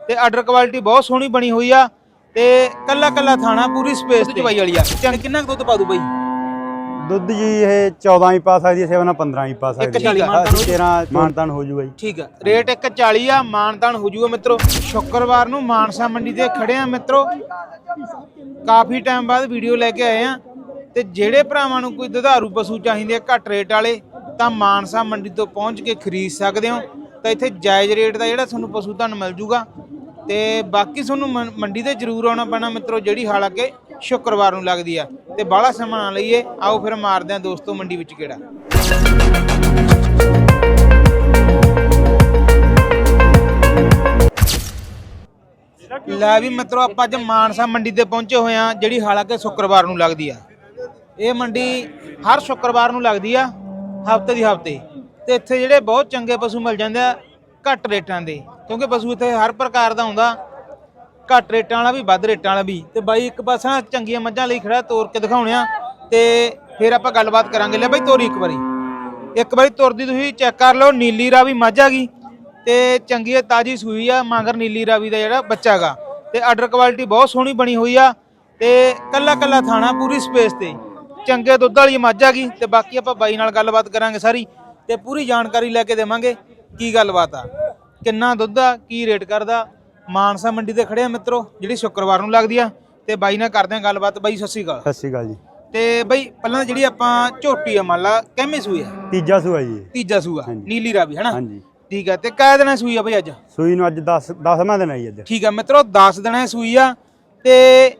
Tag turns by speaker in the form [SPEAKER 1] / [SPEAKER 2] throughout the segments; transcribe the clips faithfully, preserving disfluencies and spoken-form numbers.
[SPEAKER 1] ਤੇ order quality ਬਹੁਤ ਸੋਹਣੀ ਬਣੀ ਹੋਈ ਆ ਤੇ ਕੱਲਾ ਕੱਲਾ ਥਾਣਾ ਪੂਰੀ ਸਪੇਸ ਤੇ ਚਵਾਈ ਵਾਲੀ ਆ। ਚੰਨ ਕਿੰਨਾ ਦੁੱਧ ਪਾ ਦੂ ਬਾਈ?
[SPEAKER 2] ਦੁੱਧ ਜੀ ਇਹ ਚੌਦਾਂ ਹੀ ਪਾ ਸਕਦੀ ਹੈ, ਸੇਵਾ ਨਾਲ ਪੰਦਰਾਂ ਹੀ ਪਾ ਸਕਦੀ ਹੈ। ਤੇਰਾਂ ਮਾਨਤਾਨ ਹੋ ਜੂਗਾ ਜੀ।
[SPEAKER 1] ਠੀਕ ਆ, ਰੇਟ ਇੱਕ ਚਾਲੀ ਆ, ਮਾਨਤਾਨ ਹੋ ਜੂਗਾ ਮਿੱਤਰੋ। ਸ਼ੁੱਕਰਵਾਰ ਨੂੰ ਮਾਨਸਾ ਮੰਡੀ ਤੇ ਖੜੇ ਆ ਮਿੱਤਰੋ, ਕਾਫੀ ਟਾਈਮ ਬਾਅਦ ਵੀਡੀਓ ਲੈ ਕੇ ਆਏ ਆ। ਤੇ ਜਿਹੜੇ ਭਰਾਵਾਂ ਨੂੰ ਕੋਈ ਦੁਧਾਰੂ ਪਸ਼ੂ ਚਾਹੀਦੇ ਆ ਘੱਟ ਰੇਟ ਵਾਲੇ ਤਾਂ ਮਾਨਸਾ ਮੰਡੀ ਤੋਂ ਪਹੁੰਚ ਕੇ ਖਰੀਦ ਸਕਦੇ ਹੋ। ਤਾਂ ਇੱਥੇ ਜਾਇਜ਼ ਰੇਟ ਦਾ ਜਿਹੜਾ ਤੁਹਾਨੂੰ ਪਸ਼ੂ ਤੁਹਾਨੂੰ ਮਿਲ ਜੂਗਾ। ਤੇ ਬਾਕੀ ਤੁਹਾਨੂੰ ਮੰਡੀ ਤੇ ਜ਼ਰੂਰ ਆਉਣਾ ਪੈਣਾ ਮਿੱਤਰੋ, ਜਿਹੜੀ ਹਾਲਾਂਕਿ ਸ਼ੁੱਕਰਵਾਰ ਨੂੰ ਲੱਗਦੀ ਆ। ਤੇ ਬਾਹਲਾ ਸਮਾਂ ਨਾ ਲਈਏ, ਆਓ ਫਿਰ ਮਾਰਦੇ ਆ ਦੋਸਤੋ ਮੰਡੀ ਵਿੱਚ ਕਿਹੜਾ। ਲੈ ਵੀ ਮਿੱਤਰੋ, ਆਪਾਂ ਅੱਜ ਮਾਨਸਾ ਮੰਡੀ ਤੇ ਪਹੁੰਚੇ ਹੋਏ ਆ, ਜਿਹੜੀ ਹਾਲਾਂਕਿ ਸ਼ੁੱਕਰਵਾਰ ਨੂੰ ਲੱਗਦੀ ਆ। ਇਹ ਮੰਡੀ ਹਰ ਸ਼ੁੱਕਰਵਾਰ ਨੂੰ ਲੱਗਦੀ ਆ, ਹਫਤੇ ਦੀ ਹਫਤੇ। ਤੇ ਇੱਥੇ ਜਿਹੜੇ ਬਹੁਤ ਚੰਗੇ ਪਸ਼ੂ ਮਿਲ ਜਾਂਦੇ ਆ ਘੱਟ ਰੇਟਾਂ ਦੇ, ਕਿਉਂਕਿ ਪਸ਼ੂ ਇੱਥੇ ਹਰ ਪ੍ਰਕਾਰ ਦਾ ਆਉਂਦਾ, ਘੱਟ ਰੇਟਾਂ ਵਾਲਾ ਵੀ ਵੱਧ ਰੇਟਾਂ ਵਾਲਾ ਵੀ। ਤੇ ਬਾਈ ਇੱਕ ਪਾਸਾ ਚੰਗੀਆਂ ਮੱਝਾਂ ਲਈ ਖੜਾ, ਤੋਰ ਕੇ ਦਿਖਾਉਣੇ ਆ ਤੇ ਫਿਰ ਆਪਾਂ ਗੱਲਬਾਤ ਕਰਾਂਗੇ। ਲੈ ਬਾਈ ਤੋਰੀ ਇੱਕ ਵਾਰੀ, ਇੱਕ ਵਾਰੀ ਤੁਰਦੀ ਤੁਸੀਂ ਚੈੱਕ ਕਰ ਲਓ। ਨੀਲੀ ਰਾਵੀ ਮੱਝ ਆ ਗਈ ਤੇ ਚੰਗੀ ਹੈ, ਤਾਜ਼ੀ ਸੂਈ ਆ, ਮਗਰ ਨੀਲੀ ਰਾਵੀ ਦਾ ਜਿਹੜਾ ਬੱਚਾ ਗਾ। ਤੇ ਆਰਡਰ ਕੁਆਲਿਟੀ ਬਹੁਤ ਸੋਹਣੀ ਬਣੀ ਹੋਈ ਆ ਤੇ ਕੱਲਾ ਕੱਲਾ ਥਾਣਾ ਪੂਰੀ ਸਪੇਸ ਤੇ, ਚੰਗੇ ਦੁੱਧ ਵਾਲੀ ਮੱਝ ਆ ਗਈ। ਤੇ ਬਾਕੀ ਆਪਾਂ ਬਾਈ ਨਾਲ ਗੱਲਬਾਤ ਕਰਾਂਗੇ ਸਾਰੀ ਤੇ ਪੂਰੀ ਜਾਣਕਾਰੀ ਲੈ ਕੇ ਦੇਵਾਂਗੇ ਕੀ ਗੱਲਬਾਤ ਆ, ਕਿੰਨਾ ਦੁੱਧ ਆ, ਕੀ ਰੇਟ ਕਰਦਾ। ਮਾਨਸਾ ਮੰਡੀ ਤੇ ਖੜੇ ਆ ਮਿੱਤਰੋ, ਜਿਹੜੀ ਸ਼ੁੱਕਰਵਾਰ ਨੂੰ ਲੱਗਦੀ ਆ। ਤੇ ਬਾਈ ਨਾਲ ਕਰਦੇ ਆ ਗੱਲਬਾਤ। ਬਾਈ ਸਤਿ ਸ਼੍ਰੀ ਅਕਾਲ।
[SPEAKER 2] ਸਤਿ ਸ਼੍ਰੀ ਅਕਾਲ ਜੀ।
[SPEAKER 1] ਤੇ ਬਾਈ ਪਹਿਲਾਂ ਜਿਹੜੀ ਆਪਾਂ ਝੋਟੀ ਆ ਮੰਨ ਲਾ ਕਿੰਮੀ ਸੂਈ ਆ?
[SPEAKER 2] ਤੀਜਾ ਸੂਆ ਜੀ।
[SPEAKER 1] ਤੀਜਾ ਸੂਆ, ਨੀਲੀ ਰਾਵੀ ਹੈ ਨਾ?
[SPEAKER 2] ਹਾਂਜੀ
[SPEAKER 1] ਠੀਕ ਆ। ਤੇ ਕਿਹ ਦਿਨਾਂ ਸੂਈ ਆ ਬਾਈ ਅੱਜ?
[SPEAKER 2] ਸੂਈ ਨੂੰ ਅੱਜ ਦਸ ਦਸਵਾਂ ਦਿਨ ਆਈ ਅੱਜ।
[SPEAKER 1] ਠੀਕ ਆ ਮਿੱਤਰੋ, ਦਸ ਦਿਨਾਂ ਸੂਈ ਆ। ਤੇ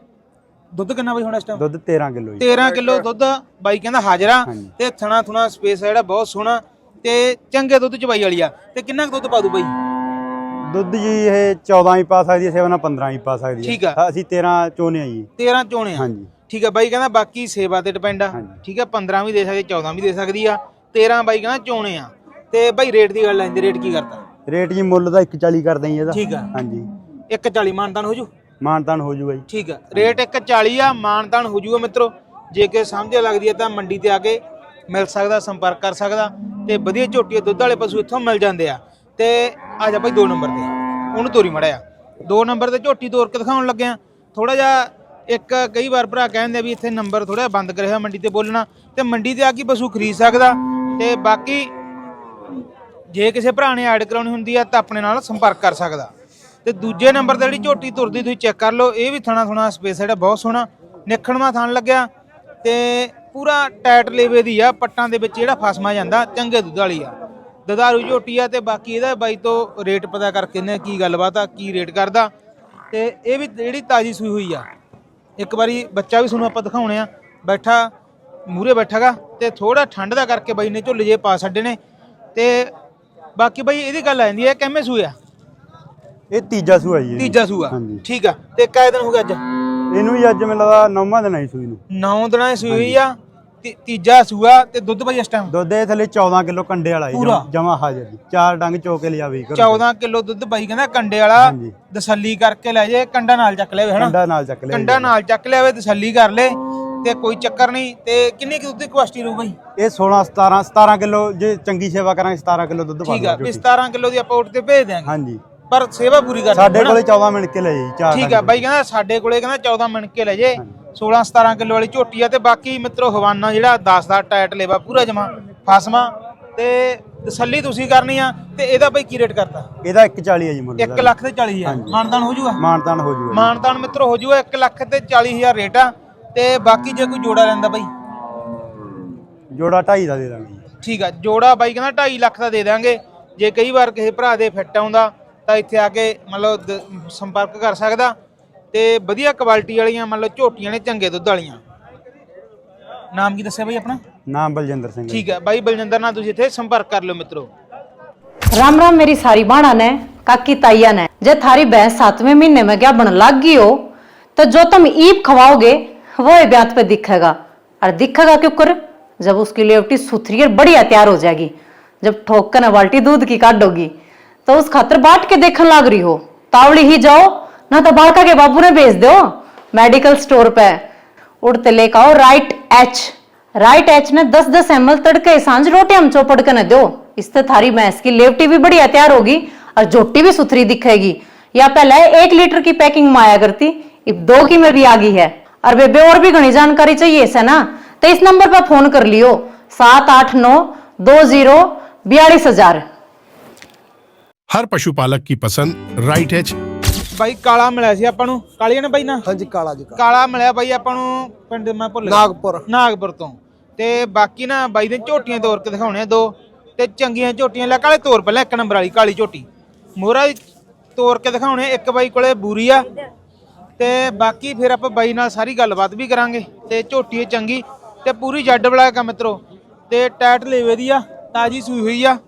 [SPEAKER 1] ਦੁੱਧ ਕਿੰਨਾ ਬਾਈ ਹੁਣ ਇਸ ਟਾਈਮ?
[SPEAKER 2] ਦੁੱਧ ਤੇਰਾਂ ਕਿਲੋ ਜੀ।
[SPEAKER 1] ਤੇਰਾਂ ਕਿਲੋ ਦੁੱਧ ਬਾਈ ਕਹਿੰਦਾ ਹਾਜ਼ਰਾ। ਤੇ ਥਣਾ ਥੁਣਾ ਸਪੇਸ ਜਿਹੜਾ ਬਹੁਤ ਸੋਹਣਾ ਤੇ ਚੰਗੇ ਦੁੱਧ ਚਵਾਈ ਵਾਲੀ ਆ। ਤੇ ਕਿੰਨਾ ਕੁ ਦੁੱਧ ਪਾ ਦੂ ਬਾਈ?
[SPEAKER 2] ਦੁੱਧ ਜੀ ਇਹ ਚੌਦਾਂ ਹੀ ਪਾ ਸਕਦੀ ਹੈ, ਸੇਵਾ ਨਾਲ ਪੰਦਰਾਂ ਹੀ ਪਾ ਸਕਦੀ ਹੈ।
[SPEAKER 1] ਠੀਕ ਆ,
[SPEAKER 2] ਅਸੀਂ ਤੇਰਾਂ ਚੋਣੇ ਆ ਜੀ।
[SPEAKER 1] ਤੇਰਾਂ ਚੋਣੇ ਆ।
[SPEAKER 2] ਹਾਂਜੀ
[SPEAKER 1] ਠੀਕ ਆ ਬਾਈ ਕਹਿੰਦਾ ਬਾਕੀ ਸੇਵਾ ਤੇ ਡਿਪੈਂਡ ਆ। ਠੀਕ ਆ, ਪੰਦਰਾਂ ਵੀ ਦੇ ਸਕਦੀ, ਚੌਦਾਂ ਵੀ ਦੇ ਸਕਦੀ ਆ, ਤੇਰਾਂ ਬਾਈ ਕਹਿੰਦਾ ਚੋਣੇ ਆ। ਤੇ ਬਾਈ ਰੇਟ ਦੀ ਗੱਲ ਲੈਂਦੇ, ਰੇਟ ਕੀ ਕਰਦਾ?
[SPEAKER 2] ਰੇਟ ਜੀ ਮੁੱਲ ਦਾ ਇੱਕ ਚਾਲੀ ਕਰਦੇ ਜੀ ਇਹਦਾ।
[SPEAKER 1] ਠੀਕ ਆ,
[SPEAKER 2] ਹਾਂਜੀ
[SPEAKER 1] ਇੱਕ ਚਾਲੀ ਮਾਨਤਾਨ ਹੋ ਜੂ?
[SPEAKER 2] ਮਾਨਤਾਨ ਹੋ ਜੂਗਾ ਜੀ।
[SPEAKER 1] ਠੀਕ ਆ, ਰੇਟ ਇੱਕ ਚਾਲੀ ਆ, ਮਾਨਤਾਨ ਹੋ ਜੂਗਾ ਮਿੱਤਰੋ। ਜੇ ਕਿ ਸਮਝ ਲੱਗਦੀ ਹੈ ਤਾਂ ਮੰਡੀ ਤੇ ਆ ਕੇ ਮਿਲ ਸਕਦਾ, ਸੰਪਰਕ ਕਰ ਸਕਦਾ। ਤੇ ਵਧੀਆ ਝੋਟੀਆਂ ਦੁੱਧ ਵਾਲੇ ਪਸ਼ੂ ਇੱਥੋਂ ਮਿਲ ਜਾਂਦੇ ਆ। ਤੇ ਆ ਜਾ ਬਾਈ ਦੋ ਨੰਬਰ ਤੇ ਉਹਨੂੰ ਤੋਰੀ ਮੜਿਆ। ਦੋ ਨੰਬਰ ਤੇ ਝੋਟੀ ਤੋਰ ਕੇ ਦਿਖਾਉਣ ਲੱਗੇ ਆ। ਥੋੜਾ ਜਿਹਾ ਇੱਕ ਕਈ ਵਾਰ ਭਰਾ ਕਹਿੰਦੇ ਵੀ ਇੱਥੇ ਨੰਬਰ ਥੋੜਾ ਬੰਦ ਕਰਿਆ ਮੰਡੀ ਤੇ ਬੋਲਣਾ, ਤੇ ਮੰਡੀ ਤੇ ਆ ਕੇ ਪਸ਼ੂ ਖਰੀਦ ਸਕਦਾ। ਤੇ ਬਾਕੀ ਜੇ ਕਿਸੇ ਭਰਾ ਨੇ ਐਡ ਕਰਾਉਣੀ ਹੁੰਦੀ ਆ ਤਾਂ ਆਪਣੇ ਨਾਲ ਸੰਪਰਕ ਕਰ ਸਕਦਾ। ਤੇ ਦੂਜੇ ਨੰਬਰ ਤੇ ਜਿਹੜੀ ਝੋਟੀ ਤੁਰਦੀ ਤੁਸੀਂ ਚੈੱਕ ਕਰ ਲਓ, ਇਹ ਵੀ ਥਣਾ ਥੁਣਾ ਸਪੇਸ ਜਿਹੜਾ ਬਹੁਤ ਸੋਹਣਾ ਨਿਖਣਵਾ ਥਣ ਲੱਗਿਆ ਤੇ ਪੂਰਾ ਟਾਈਟ ਲੇਵੇ ਦੀ ਆ। ਪੱਟਾਂ ਦੇ ਵਿੱਚ ਜਿਹੜਾ ਫਸਮਾ ਜਾਂਦਾ, ਚੰਗੇ ਦੁੱਧ ਵਾਲੀ ਆ, ਦੁਧਾਰੂ ਝੋਟੀ ਆ। ਤੇ ਬਾਕੀ ਇਹਦਾ ਬਾਈ ਤੋਂ ਰੇਟ ਪਤਾ ਕਰਕੇ ਨੇ ਕੀ ਗੱਲਬਾਤ ਆ, ਕੀ ਰੇਟ ਕਰਦਾ। ਤੇ ਇਹ ਵੀ ਜਿਹੜੀ ਤਾਜ਼ੀ ਸੂਈ ਹੋਈ ਆ। ਇੱਕ ਵਾਰੀ ਬੱਚਾ ਵੀ ਤੁਹਾਨੂੰ ਆਪਾਂ ਦਿਖਾਉਣੇ ਆ, ਬੈਠਾ ਮੂਹਰੇ ਬੈਠਾਗਾ ਤੇ ਥੋੜਾ ਠੰਡ ਦਾ ਕਰਕੇ ਬਾਈ ਨੇ ਝੁੱਲੇ ਜੇ ਪਾ ਛੱਡੇ ਨੇ। ਤੇ ਬਾਕੀ ਬਾਈ ਇਹਦੀ ਗੱਲ ਆ ਜਾਂਦੀ ਹੈ ਕਿੰਨੇ ਸੂਏ ਆ?
[SPEAKER 2] ਇਹ ਤੀਜਾ ਸੂਆ ਜੀ।
[SPEAKER 1] ਤੀਜਾ ਸੂਆ, ਠੀਕ ਆ। ਤੇ ਕਾਇ ਦਿਨ ਹੋ ਗਿਆ ਅੱਜ
[SPEAKER 2] ਇਹਨੂੰ? ਵੀ ਅੱਜ ਮੈਨੂੰ ਲੱਗਦਾ ਨੌਵਾਂ ਦਿਨ ਆਈ ਸੂਈ ਨੂੰ।
[SPEAKER 1] ਨੌ ਦਿਨਾਂ ਦੀ ਸੂਈ ਹੋਈ ਆ, ਤੀਜਾ ਸੂਆ। ਤੇ ਦੁੱਧ ਬਾਈ ਇਸ ਟਾਈਮ?
[SPEAKER 2] ਦੁੱਧ ਇਹ ਥੱਲੇ ਚੌਦਾਂ ਕਿਲੋ ਕੰਡੇ ਵਾਲਾ ਜਮਾ ਹਾਜ਼ਰ ਜੀ। ਚਾਰ ਡੰਗ ਚੋ ਕੇ ਲਿਆਵੇ।
[SPEAKER 1] ਚੌਦਾਂ ਕਿਲੋ ਦੁੱਧ ਬਾਈ ਕਹਿੰਦਾ ਕੰਡੇ ਵਾਲਾ, ਤਸੱਲੀ ਕਰਕੇ ਲੈ ਜੇ। ਕੰਡਾ ਨਾਲ ਚੱਕ ਲਿਆਵੇ ਹਨਾ? ਕੰਡਾ
[SPEAKER 2] ਨਾਲ ਚੱਕ ਲਿਆਵੇ,
[SPEAKER 1] ਕੰਡਾ ਨਾਲ ਚੱਕ ਲਿਆਵੇ, ਤਸੱਲੀ ਕਰ ਲੈ ਤੇ ਕੋਈ ਚੱਕਰ ਨਹੀਂ। ਤੇ ਕਿੰਨੀ ਕਿ ਦੁੱਧ ਦੀ ਕੁਆਸਟੀ ਰਹੂ ਬਾਈ?
[SPEAKER 2] ਇਹ ਸੋਲਾਂ ਸਤਾਰਾਂ ਸਤਾਰਾਂ ਕਿਲੋ ਜੇ ਚੰਗੀ ਸੇਵਾ ਕਰਾਂਗੇ ਸਤਾਰਾਂ ਕਿਲੋ ਦੁੱਧ ਪਾ।
[SPEAKER 1] ਠੀਕ ਆ, ਵੀ ਸਤਾਰਾਂ ਕਿਲੋ ਦੀ ਆਪਾਂ ਉੱਠ ਤੇ ਭੇਜ ਦਿਆਂਗੇ।
[SPEAKER 2] ਹਾਂਜੀ,
[SPEAKER 1] ਪਰ ਸੇਵਾ ਪੂਰੀ ਕਰ
[SPEAKER 2] ਸਾਡੇ ਕੋਲੇ ਚੌਦਾਂ ਮਿੰਟ ਕੇ ਲੈ ਜੀ। ਚਾਰ
[SPEAKER 1] ਠੀਕ ਆ ਬਾਈ ਕਹਿੰਦਾ ਸਾਡੇ ਕੋਲੇ ਕਹਿੰਦਾ ਚੌਦਾਂ ਮਿੰਟ ਕੇ ਲੈ ਜੇ। ਸੋਲਾਂ ਸਤਾਰਾਂ ਕਿਲੋ ਵਾਲੀ ਝੋਟੀ ਆ। ਤੇ ਬਾਕੀ ਮਿੱਤਰੋ ਹਵਾਨਾ ਜਿਹੜਾ ਦਸ ਦਾ ਟਾਇਟ ਲੇਵਾ ਪੂਰਾ ਜਮਾ ਫਸਮਾ। ਤੇ ਤਸੱਲੀ ਤੁਸੀਂ ਕਰਨੀ ਆ। ਤੇ ਇਹਦਾ ਬਾਈ ਕੀ ਰੇਟ ਕਰਤਾ?
[SPEAKER 2] ਇਹਦਾ ਇੱਕ ਚਾਲੀ ਹੈ ਜੀ ਮੁੱਲ।
[SPEAKER 1] ਇੱਕ ਲੱਖ ਤੇ ਚਾਲੀ ਹਜ਼ਾਰ ਮਾਨਤਾਨ ਹੋ ਜੂਗਾ?
[SPEAKER 2] ਮਾਨਤਾਨ ਹੋ ਜੂਗਾ।
[SPEAKER 1] ਮਾਨਤਾਨ ਮਿੱਤਰੋ ਹੋ ਜੂਗਾ, ਇੱਕ ਲੱਖ ਤੇ ਚਾਲੀ ਹਜ਼ਾਰ ਰੇਟ ਆ। ਤੇ ਬਾਕੀ ਜੇ ਕੋਈ ਜੋੜਾ ਲੈਂਦਾ ਬਾਈ?
[SPEAKER 2] ਜੋੜਾ ਢਾਈ ਦਾ ਦੇ ਦਾਂਗੇ ਜੀ।
[SPEAKER 1] ਠੀਕ ਆ, ਜੋੜਾ ਬਾਈ ਕਹਿੰਦਾ ਢਾਈ ਲੱਖ ਦਾ ਦੇ ਦਾਂਗੇ। ਜੇ ਕਈ ਵਾਰ ਕਿਸੇ ਭਰਾ ਦੇ ਫਿੱਟ ਆਉਂਦਾ ਤਾਂ ਇੱਥੇ ਆ ਕੇ ਮਤਲਬ ਸੰਪਰਕ ਕਰ ਸਕਦਾ। ਤੇ ਵਧੀਆ ਕੁਆਲਿਟੀ ਵਾਲੀਆਂ ਮਤਲਬ ਝੋਟੀਆਂ ਨੇ, ਚੰਗੇ ਦੁੱਧ ਵਾਲੀਆਂ। ਨਾਮ ਕੀ ਦੱਸਿਆ ਬਾਈ ਆਪਣਾ?
[SPEAKER 2] नाम बलजिंदर सिंह।
[SPEAKER 1] ठीक है भाई, बलजिंदर ना तुसी इत्थे संपर्क कर लो मित्रों।
[SPEAKER 3] राम राम मेरी सारी बाणा ने काकी ताइया ने। जे थारी भैंस सातवें महीने में क्या बन लाग गई हो तो जो तुम ईप खवाओगे वो ही ब्यात पे दिखेगा। और दिखेगा क्यों कर? जब उसकी लेवटी सुथरी और बढ़िया तैयार हो जाएगी, जब ठोक कर बाल्टी दूध की काटोगी तो उस खातर बाट के देखने लाग रही हो। तावड़ी ही जाओ ना तो बालका के बाबू ने भेज दो मेडिकल स्टोर पे। उड़ते लेकर आओ राइट एच। राइट एच ने दस दस एम एल तड़के सांझ रोटी हम चौपड़ के न दो। इससे थारी भैंस की लेवटी भी बढ़िया तैयार होगी और झोटी भी सुथरी दिखेगी। या पहले एक लीटर की पैकिंग में आया करती, अब दो की में भी आ गई है। और बेबे और भी घनी जानकारी चाहिए इसे ना, तो इस नंबर पर फोन कर लियो, सात आठ नौ दो जीरो बयालीस हजार।
[SPEAKER 4] हर पशुपालक की पसंद राइट एच।
[SPEAKER 1] ਬਾਈ ਕਾਲਾ ਮਿਲਿਆ ਸੀ ਆਪਾਂ ਨੂੰ, ਕਾਲੀਆਂ ਨੇ ਬਾਈ ਨਾ
[SPEAKER 5] ਹਾਂਜੀ ਕਾਲਾ ਜੀ ਕਾਲਾ
[SPEAKER 1] ਕਾਲਾ ਮਿਲਿਆ ਬਾਈ ਆਪਾਂ ਨੂੰ ਪਿੰਡ ਮੈਂ ਭੁੱਲ ਗਿਆ
[SPEAKER 5] ਨਾਗਪੁਰ
[SPEAKER 1] ਨਾਗਪੁਰ ਤੋਂ। ਤੇ ਬਾਕੀ ਨਾ ਬਾਈ ਦੇ ਝੋਟੀਆਂ ਤੋਰ ਕੇ ਦਿਖਾਉਣੇ ਆ ਦੋ, ਤੇ ਚੰਗੀਆਂ ਝੋਟੀਆਂ ਲੈ ਕਾਲੇ ਤੋਰ ਪਹਿਲਾਂ ਇੱਕ ਨੰਬਰ ਵਾਲੀ ਕਾਲੀ ਝੋਟੀ ਮੋਹਰਾ ਤੋਰ ਕੇ ਦਿਖਾਉਣੇ। ਇੱਕ ਬਾਈ ਕੋਲੇ ਬੂਰੀ ਆ, ਤੇ ਬਾਕੀ ਫਿਰ ਆਪਾਂ ਬਾਈ ਨਾਲ ਸਾਰੀ ਗੱਲਬਾਤ ਵੀ ਕਰਾਂਗੇ। ਤੇ ਝੋਟੀ ਚੰਗੀ ਤੇ ਪੂਰੀ ਜੱਡ ਵਾਲਾ ਕੰਮ ਮਿੱਤਰੋ, ਤੇ ਟੈਟ ਲੇਵੇ ਦੀ ਆ, ਤਾਜੀ ਸੂਈ ਹੋਈ ਆ।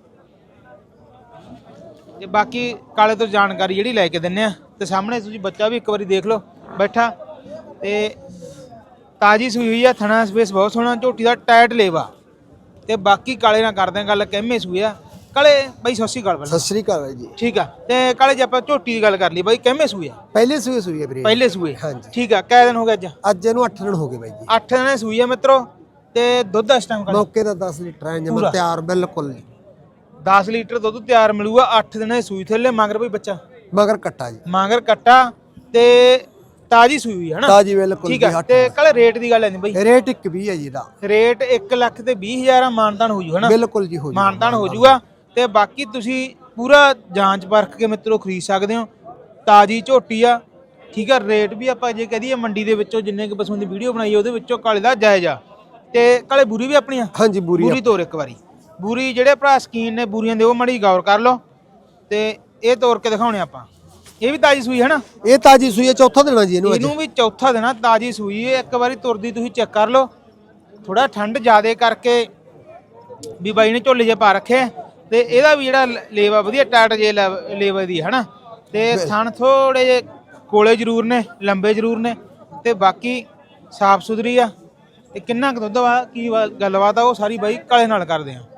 [SPEAKER 1] ਤੇ ਬਾਕੀ ਕਾਲੇ ਤੋਂ ਜਾਣਕਾਰੀ ਜਿਹੜੀ ਲੈ ਕੇ ਦਿੰਨੇ ਆ। ਤੇ ਸਾਹਮਣੇ ਤੁਸੀਂ ਬੱਚਾ ਵੀ ਇੱਕ ਵਾਰੀ ਦੇਖ ਲਓ ਬੈਠਾ, ਤੇ ਤਾਜੀ ਸੂਈ ਹੋਈ ਆ, ਥਣਾ ਸਪੇਸ ਬਹੁਤ ਸੋਹਣਾ, ਝੋਟੀ ਦਾ ਟਾਇਟ ਲੇਵਾ। ਤੇ ਬਾਕੀ ਕਾਲੇ ਨਾਲ ਕਰਦੇ ਆ ਗੱਲ, ਕਹਿਮੇ ਸੂਏ ਆ ਕਾਲੇ ਬਾਈ। ਸਤਿ ਸ਼੍ਰੀ ਅਕਾਲ
[SPEAKER 5] ਸਤਿ ਸ੍ਰੀ ਅਕਾਲ ਬਾਈ ਜੀ।
[SPEAKER 1] ਠੀਕ ਆ। ਤੇ ਕਾਲੇ ਜੇ ਆਪਾਂ ਝੋਟੀ ਦੀ ਗੱਲ ਕਰ ਲਈ ਬਾਈ, ਕਹਿਮੇ ਸੂਏ ਆ?
[SPEAKER 5] ਪਹਿਲੇ ਸੂਏ ਸੂਈ ਹੈ ਵੀਰੇ।
[SPEAKER 1] ਪਹਿਲੇ ਸੂਏ,
[SPEAKER 5] ਹਾਂਜੀ।
[SPEAKER 1] ਠੀਕ ਆ। ਕਿੰਨੇ ਦਿਨ ਹੋ ਗਏ ਅੱਜ?
[SPEAKER 5] ਅੱਜ ਇਹਨੂੰ ਅੱਠ ਦਿਨ ਹੋ ਗਏ ਬਾਈ ਜੀ।
[SPEAKER 1] ਅੱਠ ਦਿਨ ਸੂਈ ਆ ਮਿੱਤਰੋ। ਤੇ ਦੁੱਧ ਇਸ ਟਾਈਮ
[SPEAKER 5] ਮੌਕੇ ਦਾ ਦਸ ਲੀਟਰ ਹੈ ਜਮਾ ਤਿਆਰ ਬਿਲਕੁਲ ਜੀ।
[SPEAKER 1] ਦਸ ਲੀਟਰ ਦੁੱਧ ਤਿਆਰ ਮਿਲੂਗਾ। ਅੱਠ ਦਿਨ ਸੂਈ ਥੱਲੇ ਮਗਰ ਬਈ ਬੱਚਾ
[SPEAKER 5] ਮਗਰ ਕੱਟਾ ਜੀ,
[SPEAKER 1] ਮਗਰ ਕੱਟਾ, ਤੇ ਤਾਜੀ ਸੂਈ ਹੋਈ ਹੈ ਨਾ?
[SPEAKER 5] ਤਾਜੀ ਬਿਲਕੁਲ
[SPEAKER 1] ਠੀਕ ਆ। ਤੇ ਕਾਲੇ ਰੇਟ ਦੀ ਗੱਲ ਹੈ ਨਹੀਂ ਬਾਈ?
[SPEAKER 5] ਰੇਟ ਇੱਕ ਵੀਹ ਹੈ ਜੀ ਦਾ।
[SPEAKER 1] ਰੇਟ ਇੱਕ ਲੱਖ ਤੇ ਵੀਹ ਹਜ਼ਾਰ ਮਾਨਤਾਨ ਹੋ ਜੂ ਹੈ ਨਾ?
[SPEAKER 5] ਬਿਲਕੁਲ ਜੀ ਹੋ ਜੂ,
[SPEAKER 1] ਮਾਨਤਾਨ ਹੋ ਜੂਗਾ। ਤੇ ਬਾਕੀ ਤੁਸੀਂ ਪੂਰਾ ਜਾਂਚ ਪਰਖ ਕੇ ਮਿੱਤਰੋ ਖਰੀਦ ਸਕਦੇ ਹੋ। ਤਾਜੀ ਝੋਟੀ ਆ, ਠੀਕ ਆ। ਰੇਟ ਵੀ ਆਪਾਂ ਜੇ ਕਹਦੀਏ ਮੰਡੀ ਦੇ ਵਿੱਚੋਂ ਜਿੰਨੇ ਕੁ ਪਸ਼ੂਆਂ ਦੀ ਵੀਡੀਓ ਬਣਾਈ ਉਹਦੇ ਵਿੱਚੋਂ ਕਾਲੇ ਦਾ ਜਾਇਜ਼ ਆ। ਤੇ ਕਾਲੇ ਬੂਰੀ ਵੀ ਆਪਣੀ ਆ?
[SPEAKER 5] ਹਾਂਜੀ ਬੂਰੀ
[SPEAKER 1] ਬੂਰੀ ਤੋਰ ਇੱਕ ਵਾਰੀ। ਬੂਰੀ ਜਿਹੜੇ ਭਰਾ ਸਕੀਨ ਨੇ ਬੂਰੀਆਂ ਦੇ ਉਹ ਮੜੀ ਗੌਰ ਕਰ ਲਓ। ਤੇ ਇਹ ਤੋਰ ਕੇ ਦਿਖਾਉਣੇ ਆਪਾਂ। ਇਹ ਵੀ ਤਾਜੀ ਸੂਈ ਹੈ ਨਾ?
[SPEAKER 5] ਇਹ ਤਾਜੀ ਸੂਈ ਹੈ, ਚੌਥਾ ਦੇਣਾ ਜੀ ਇਹਨੂੰ।
[SPEAKER 1] ਇਹਨੂੰ ਵੀ ਚੌਥਾ ਦੇਣਾ, ਤਾਜੀ ਸੂਈ ਹੈ। ਇੱਕ ਵਾਰੀ ਤੁਰਦੀ ਤੁਸੀਂ ਚੈੱਕ ਕਰ ਲਓ। ਥੋੜਾ ਠੰਡ ਜ਼ਿਆਦੇ ਕਰਕੇ ਵੀ ਬਾਈ ਨੇ ਝੋਲੇ ਜੇ ਪਾ ਰੱਖੇ, ਤੇ ਇਹਦਾ ਵੀ ਜਿਹੜਾ ਲੇਵਾ ਵਧੀਆ ਟਾਈਟ ਜੇ ਲੇਵਾ ਦੀ ਹੈ ਨਾ। ਤੇ ਥਣ ਥੋੜੇ ਜੇ ਕੋਲੇ ਜ਼ਰੂਰ ਨੇ, ਲੰਬੇ ਜ਼ਰੂਰ ਨੇ, ਤੇ ਬਾਕੀ ਸਾਫ ਸੁਥਰੀ ਆ। ਤੇ ਕਿੰਨਾ ਕੁ ਦੁੱਧ ਵਾ, ਕੀ ਗੱਲਬਾਤ ਆ, ਉਹ ਸਾਰੀ ਬਾਈ ਕਾਲੇ ਨਾਲ ਕਰਦੇ ਆ।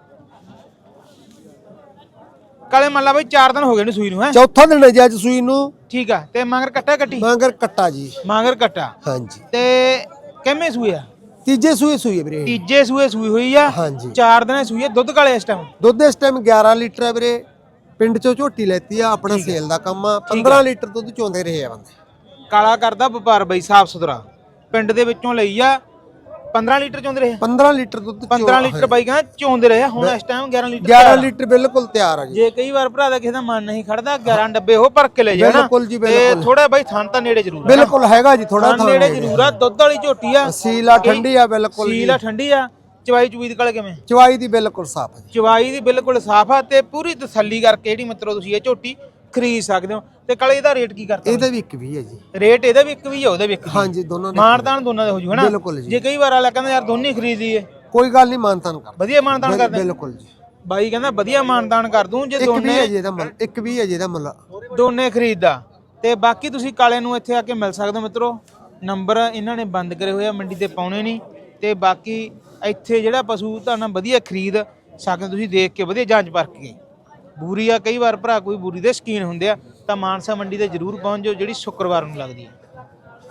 [SPEAKER 1] ਕਾਲੇ ਮੰਨ ਲਾ ਬਾਈ ਚਾਰ ਦਿਨ ਹੋ ਗਏ ਨੇ ਸੂਈ ਨੂੰ ਹੈ?
[SPEAKER 5] ਚੌਥਾ ਦਿਨ ਹੈ ਜੀ ਅੱਜ ਸੂਈ ਨੂੰ।
[SPEAKER 1] ਠੀਕ ਆ। ਤੇ ਮਗਰ ਕੱਟਾ ਕੱਟੀ?
[SPEAKER 5] ਮਗਰ ਕੱਟਾ ਜੀ,
[SPEAKER 1] ਮਗਰ ਕੱਟਾ।
[SPEAKER 5] ਹਾਂਜੀ।
[SPEAKER 1] ਤੇ ਕਿੰਨੇ ਸੂਏ ਆ?
[SPEAKER 5] ਤੀਜੇ ਸੂਏ ਸੂਈ ਹੈ ਵੀਰੇ।
[SPEAKER 1] ਤੀਜੇ ਸੂਏ ਸੂਈ ਹੋਈ ਆ।
[SPEAKER 5] ਹਾਂਜੀ।
[SPEAKER 1] ਚਾਰ ਦਿਨਾਂ ਸੂਈ ਆ। ਦੁੱਧ ਕਾਲੇ ਇਸ ਟਾਈਮ?
[SPEAKER 5] ਦੁੱਧ ਇਸ ਟਾਈਮ ਗਿਆਰਾਂ ਲੀਟਰ ਹੈ ਵੀਰੇ। ਪਿੰਡ ਚੋਂ ਝੋਟੀ ਲੈਤੀ ਆ, ਆਪਣਾ ਸੇਲ ਦਾ ਕੰਮ ਆ। ਪੰਦਰਾਂ ਲੀਟਰ ਦੁੱਧ ਚੋਂਦੇ ਰਹੇ ਆ ਬੰਦੇ।
[SPEAKER 1] ਕਾਲਾ ਕਰਦਾ ਵਪਾਰ ਬਾਈ ਸਾਫ ਸੁਥਰਾ, ਪਿੰਡ ਦੇ ਵਿੱਚੋਂ ਲਈ ਆ। ਪੰਦਰਾਂ ਲੀਟਰ ਚੋਂਦੇ ਰਹੇ?
[SPEAKER 5] ਪੰਦਰਾਂ ਲੀਟਰ ਦੁੱਧ
[SPEAKER 1] ਪੰਦਰਾਂ ਲੀਟਰ ਬਾਈ ਕਹਿੰਦਾ ਚੋਂਦੇ ਰਹੇ। ਹੁਣ ਇਸ ਟਾਈਮ ਗਿਆਰਾਂ ਲੀਟਰ
[SPEAKER 5] ਗਿਆਰਾਂ ਲੀਟਰ ਬਿਲਕੁਲ ਤਿਆਰ ਆ ਜੀ।
[SPEAKER 1] ਜੇ ਕਈ ਵਾਰ ਭਰਾ ਦਾ ਕਿਸੇ ਦਾ ਮਨ ਨਹੀਂ ਖੜਦਾ, ਗਿਆਰਾਂ ਡੱਬੇ ਉਹ ਭਰ ਕੇ ਲੈ ਜਾਣਾ।
[SPEAKER 5] ਬਿਲਕੁਲ ਜੀ
[SPEAKER 1] ਤੇ
[SPEAKER 5] ਬਿਲਕੁਲ।
[SPEAKER 1] ਥੋੜਾ ਬਾਈ ਥਣ ਤਾਂ ਨੇੜੇ ਜ਼ਰੂਰ ਆ।
[SPEAKER 5] ਬਿਲਕੁਲ ਹੈਗਾ ਜੀ, ਥੋੜਾ
[SPEAKER 1] ਥਣ ਨੇੜੇ ਜ਼ਰੂਰ ਆ। ਦੁੱਧ ਵਾਲੀ ਝੋਟੀ ਆ,
[SPEAKER 5] ਸੀਲਾ ਠੰਡੀ ਆ ਬਿਲਕੁਲ।
[SPEAKER 1] ਸੀਲਾ ਠੰਡੀ ਆ। ਚਵਾਈ ਚੁਈ ਦੀ ਕਾਲੇ ਕਿਵੇਂ?
[SPEAKER 5] ਚਵਾਈ ਦੀ ਬਿਲਕੁਲ ਸਾਫ ਹੈ।
[SPEAKER 1] ਚਵਾਈ ਦੀ ਬਿਲਕੁਲ ਸਾਫ ਆ। ਤੇ ਪੂਰੀ ਤਸੱਲੀ ਕਰਕੇ ਜਿਹੜੀ ਮਿੱਤਰੋ ਤੁਸੀਂ ਇਹ ਝੋਟੀ ਖਰੀਦ ਸਕਦੇ ਹੋ। ਤੇ ਕਾਲੇ ਇਹਦਾ ਰੇਟ ਕੀ ਕਰਤਾ?
[SPEAKER 5] ਇਹਦਾ ਵੀ ਇੱਕ ਵੀ ਹੈ ਜੀ।
[SPEAKER 1] ਰੇਟ ਇਹਦਾ ਵੀ ਇੱਕ ਵੀ ਆ, ਉਹਦਾ ਵੀ ਇੱਕ ਵੀ।
[SPEAKER 5] ਹਾਂਜੀ ਦੋਨਾਂ ਦਾ
[SPEAKER 1] ਮਾਨਤਾਨ ਦੋਨਾਂ ਦੇ ਹੋ ਜੂ ਹਨਾ?
[SPEAKER 5] ਬਿਲਕੁਲ ਜੀ।
[SPEAKER 1] ਜੇ ਕਈ ਵਾਰ ਆਲਾ ਕਹਿੰਦਾ ਯਾਰ ਦੋਨੇ ਖਰੀਦ ਲਈਏ,
[SPEAKER 5] ਕੋਈ ਗੱਲ ਨਹੀਂ, ਮਾਨਤਾਨ ਕਰ
[SPEAKER 1] ਵਧੀਆ ਮਾਨਤਾਨ ਕਰਦੇ
[SPEAKER 5] ਬਿਲਕੁਲ ਜੀ।
[SPEAKER 1] ਬਾਈ ਕਹਿੰਦਾ ਵਧੀਆ ਮਾਨਤਾਨ ਕਰ ਦੂੰ ਜੇ
[SPEAKER 5] ਇੱਕ ਵੀ
[SPEAKER 1] ਦੋਨੇ
[SPEAKER 5] ਹੈ ਜੀ ਇਹਦਾ ਮੁੱਲ, ਇੱਕ ਵੀ ਹੈ ਜੀ ਇਹਦਾ ਮੁੱਲ।
[SPEAKER 1] ਦੋਨੇ ਖਰੀਦਦਾ। ਤੇ ਬਾਕੀ ਤੁਸੀਂ ਕਾਲੇ ਨੂੰ ਇੱਥੇ ਆ ਕੇ ਮਿਲ ਸਕਦੇ ਹੋ ਮਿੱਤਰੋ। ਨੰਬਰ ਇਹਨਾਂ ਨੇ ਬੰਦ ਕਰੇ ਹੋਏ ਆ, ਮੰਡੀ ਤੇ ਪਾਉਣੇ ਨਹੀਂ। ਤੇ ਬਾਕੀ ਇੱਥੇ ਜਿਹੜਾ ਪਸ਼ੂ ਤੁਹਾਨੂੰ ਵਧੀਆ ਖਰੀਦ ਸਕਦੇ ਤੁਸੀਂ, ਦੇਖ ਕੇ ਵਧੀਆ ਜਾਂਚ ਪਰਖ ਕੇ। ਬੂਰੀ ਆ, ਕਈ ਵਾਰ ਭਰਾ ਕੋਈ ਬੂਰੀ ਦੇ ਸ਼ਕੀਨ ਹੁੰਦੇ ਆ ਤਾਂ ਮਾਨਸਾ ਮੰਡੀ ਤੇ ਜ਼ਰੂਰ ਪਹੁੰਚ ਜਾਓ, ਜਿਹੜੀ ਸ਼ੁੱਕਰਵਾਰ ਨੂੰ ਲੱਗਦੀ ਹੈ।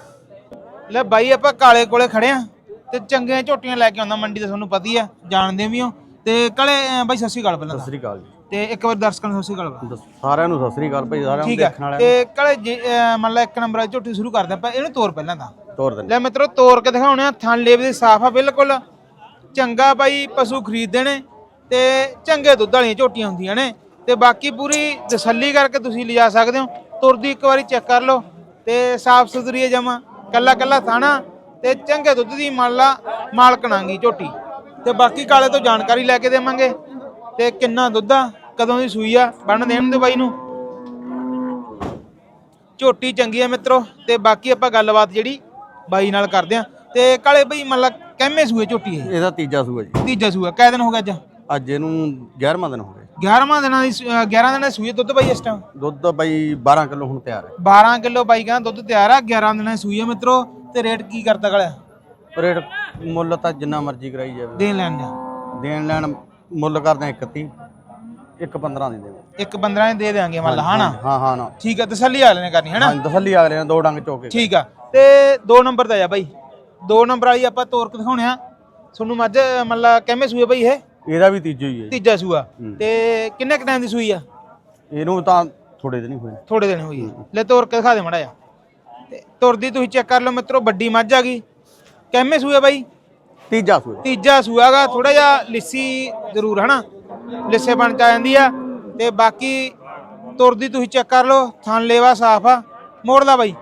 [SPEAKER 1] ਲੈ ਬਾਈ ਆਪਾਂ ਕਾਲੇ ਕੋਲੇ ਖੜੇ ਆ, ਤੇ ਚੰਗੀਆਂ ਝੋਟੀਆਂ ਲੈ ਕੇ ਆਉਂਦਾ ਮੰਡੀ ਤੇ, ਤੁਹਾਨੂੰ ਪਤਾ ਹੀ ਆ, ਜਾਣਦੇ ਵੀ ਹੋ। ਤੇ ਕਾਲੇ ਬਾਈ ਸਤਿ ਸ਼੍ਰੀ ਅਕਾਲ ਪਹਿਲਾਂ।
[SPEAKER 2] ਸਤਿ ਸ੍ਰੀ ਅਕਾਲ ਜੀ।
[SPEAKER 1] ਤੇ ਇੱਕ ਵਾਰ ਦਰਸ਼ਕਾਂ ਨੂੰ ਸਤਿ ਸ਼੍ਰੀ ਅਕਾਲ।
[SPEAKER 2] ਸਾਰਿਆਂ ਨੂੰ ਸਤਿ ਸ੍ਰੀ ਅਕਾਲ ਭਾਈ, ਸਾਰਿਆਂ ਨੂੰ
[SPEAKER 1] ਠੀਕ ਹੈ।
[SPEAKER 2] ਦੇਖਣ ਵਾਲਿਆਂ
[SPEAKER 1] ਤੇ ਕਾਲੇ ਮੰਨ ਲਾ ਇੱਕ ਨੰਬਰ ਵਾਲੀ ਝੋਟੀ ਸ਼ੁਰੂ ਕਰਦੇ ਆਪਾਂ, ਇਹਨੂੰ ਤੋਰ ਪਹਿਲਾਂ ਤਾਂ
[SPEAKER 2] ਨੂੰ ਤੋਰ ਦਿੰਦੇ।
[SPEAKER 1] ਲੈ ਮਿੱਤਰੋ ਤੋਰ ਕੇ ਦਿਖਾਉਣੇ ਆ। ਥਣ ਲੇਵੇ ਦੀ ਸਾਫ ਆ ਬਿਲਕੁਲ। ਚੰਗਾ ਬਾਈ ਪਸ਼ੂ ਖਰੀਦਦੇ ਨੇ, ਤੇ ਚੰਗੇ ਦੁੱਧ ਵਾਲੀਆਂ ਝੋਟੀਆਂ ਹੁੰਦੀਆਂ ਨੇ। ਤੇ ਬਾਕੀ ਪੂਰੀ ਤਸੱਲੀ ਕਰਕੇ ਤੁਸੀਂ ਲਿਜਾ ਸਕਦੇ ਹੋ। ਤੁਰਦੀ ਇੱਕ ਵਾਰੀ ਚੈੱਕ ਕਰ ਲਓ। ਤੇ ਸਾਫ ਸੁਥਰੀ ਹੈ ਜਮਾ, ਕੱਲਾ ਕੱਲਾ ਥਾਣਾ, ਤੇ ਚੰਗੇ ਦੁੱਧ ਦੀ ਮੰਨ ਲਾ ਮਾਲਕਣਾਂਗੀ ਝੋਟੀ। ਤੇ ਬਾਕੀ ਕਾਲੇ ਤੋਂ ਜਾਣਕਾਰੀ ਲੈ ਕੇ ਦੇਵਾਂਗੇ। ਤੇ ਕਿੰਨਾ ਦੁੱਧ ਆ, ਕਦੋਂ ਦੀ ਸੂਈ ਆ, ਬੰਨ ਦੇਣ ਦੇ ਬਾਈ ਨੂੰ। ਝੋਟੀ ਚੰਗੀ ਆ ਮਿੱਤਰੋ। ਤੇ ਬਾਕੀ ਆਪਾਂ ਗੱਲਬਾਤ ਜਿਹੜੀ ਬਾਈ ਨਾਲ ਕਰਦੇ ਆ। ਤੇ ਕਾਲੇ ਬਾਈ ਮੰਨ ਲਾ ਕਿੰਨੇ ਸੂਏ ਝੋਟੀ ਇਹ?
[SPEAKER 2] ਇਹਦਾ ਤੀਜਾ ਸੂਆ ਜੀ।
[SPEAKER 1] ਤੀਜਾ ਸੂਆ। ਕਿੰਨੇ ਦਿਨ ਹੋ ਗਏ ਅੱਜ?
[SPEAKER 2] ਅੱਜ ਇਹਨੂੰ ਗਿਆਰਵਾਂ ਦਿਨ ਹੋ ਗਿਆ।
[SPEAKER 1] ਗਿਆਰਵਾਂ ਦਿਨਾਂ ਦੀ ਗਿਆਰਾਂ ਦਿਨਾਂ ਦੀ ਸੂਈ। ਦੁੱਧ ਬਾਈ ਇਸ ਟਾਈਮ
[SPEAKER 2] ਦੁੱਧ ਬਾਈ ਬਾਰਾਂ ਕਿਲੋ ਹੁਣ ਤਿਆਰ ਹੈ।
[SPEAKER 1] ਬਾਰਾਂ ਕਿਲੋ ਬਾਈ ਕਹਿੰਦਾ ਦੁੱਧ ਤਿਆਰ ਆ। ਗਿਆਰਾਂ ਦਿਨਾਂ ਦੀ ਸੂਈ ਆ ਮਿੱਤਰੋ। ਤੇ ਰੇਟ ਕੀ ਕਰਦਾ ਕਾਲਿਆ?
[SPEAKER 2] ਰੇਟ ਮੁੱਲ ਤਾਂ ਜਿੰਨਾ ਮਰਜ਼ੀ ਕਰਾਈ ਜਾਵੇ।
[SPEAKER 1] ਦੇਣ ਲੈਣ ਦਾ
[SPEAKER 2] ਦੇਣ ਲੈਣ ਮੁੱਲ ਕਰਦੇ ਆ ਇਕੱਤੀ, ਇੱਕ ਪੰਦਰਾਂ ਦੀ ਦੇਵੇ।
[SPEAKER 1] ਇੱਕ ਪੰਦਰਾਂ ਦੇ ਦੇਾਂਗੇ ਮੰਨ ਲਾ ਹਨਾ?
[SPEAKER 2] ਹਾਂ ਹਾਂ ਨਾ
[SPEAKER 1] ਠੀਕ ਆ। ਤਸੱਲੀ ਅਗਲੇ ਨੇ ਕਰਨੀ ਹਨਾ?
[SPEAKER 2] ਹਾਂ ਤਸੱਲੀ ਅਗਲੇ ਨੇ ਦੋ ਡੰਗ ਚੋਕੇ।
[SPEAKER 1] ਠੀਕ ਆ। ਤੇ ਦੋ ਨੰਬਰ ਦਾ ਆ ਬਾਈ, ਦੋ ਨੰਬਰ ਵਾਲੀ ਆਪਾਂ ਤੋਰ ਕੇ ਦਿਖਾਉਣੇ ਆ ਤੁਹਾਨੂੰ। ਮੱਝ ਮੰਨ ਲਾ ਕਿੰਨੇ ਸੂਏ ਬਾਈ ਇਹ?
[SPEAKER 2] ਇਹਦਾ ਵੀ ਤੀਜਾ ਹੀ ਹੈ।
[SPEAKER 1] ਤੀਜਾ ਸੂਆ। ਤੇ ਕਿੰਨੇ ਕ ਟਾਈਮ ਦੀ ਸੂਈ ਆ?
[SPEAKER 2] ਇਹਨੂੰ ਤਾਂ ਥੋੜੇ ਦਿਨ ਹੀ ਹੋਏ।
[SPEAKER 1] ਥੋੜੇ ਦਿਨ ਹੋਈ ਹੈ। ਲੈ ਤੋਰ ਕੇ ਦਿਖਾ ਦੇ ਮੜਾ ਜਾ। ਤੇ ਤੁਰਦੀ ਤੁਸੀਂ ਚੈੱਕ ਕਰ ਲਓ ਮਿੱਤਰੋ, ਵੱਡੀ ਮੱਝ ਆ ਗਈ। ਕਿੰਨੇ ਸੂਏ ਬਾਈ?
[SPEAKER 2] ਤੀਜਾ ਸੂਆ।
[SPEAKER 1] ਤੀਜਾ ਸੂਆਗਾ। ਥੋੜਾ ਜਿਹਾ ਲਿੱਸੀ ਜ਼ਰੂਰ ਹਨਾ, ਲਿੱਸੇ ਬਣ ਚ ਆ ਜਾਂਦੀ ਆ। ਤੇ ਬਾਕੀ ਤੁਰਦੀ ਤੁਸੀਂ ਚੈੱਕ ਕਰ ਲਓ, ਥਣ ਲੇਵਾ ਸਾਫ ਆ। ਮੋੜ ਲਾ ਬਾਈ।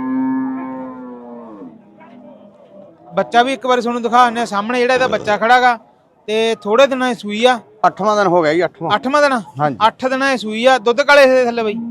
[SPEAKER 1] ਬੱਚਾ ਵੀ ਇੱਕ ਵਾਰੀ ਤੁਹਾਨੂੰ ਦਿਖਾ ਦਿੰਦੇ ਆ ਸਾਹਮਣੇ, ਜਿਹੜਾ ਇਹਦਾ ਬੱਚਾ ਖੜਾਗਾ ਤੇ ਥੋੜੇ ਦਿਨਾਂ ਦੀ ਸੂਈ ਆ।
[SPEAKER 2] ਅੱਠਵਾਂ ਦਿਨ ਹੋ ਗਿਆ ਜੀ। ਅੱਠਵਾਂ
[SPEAKER 1] ਅੱਠਵਾਂ ਦਿਨ?
[SPEAKER 2] ਹਾਂਜੀ।
[SPEAKER 1] ਅੱਠ ਦਿਨਾਂ ਦੀ ਸੂਈ ਆ। ਦੁੱਧ ਕਾਲੇ ਦੇ ਥੱਲੇ ਬਾਈ?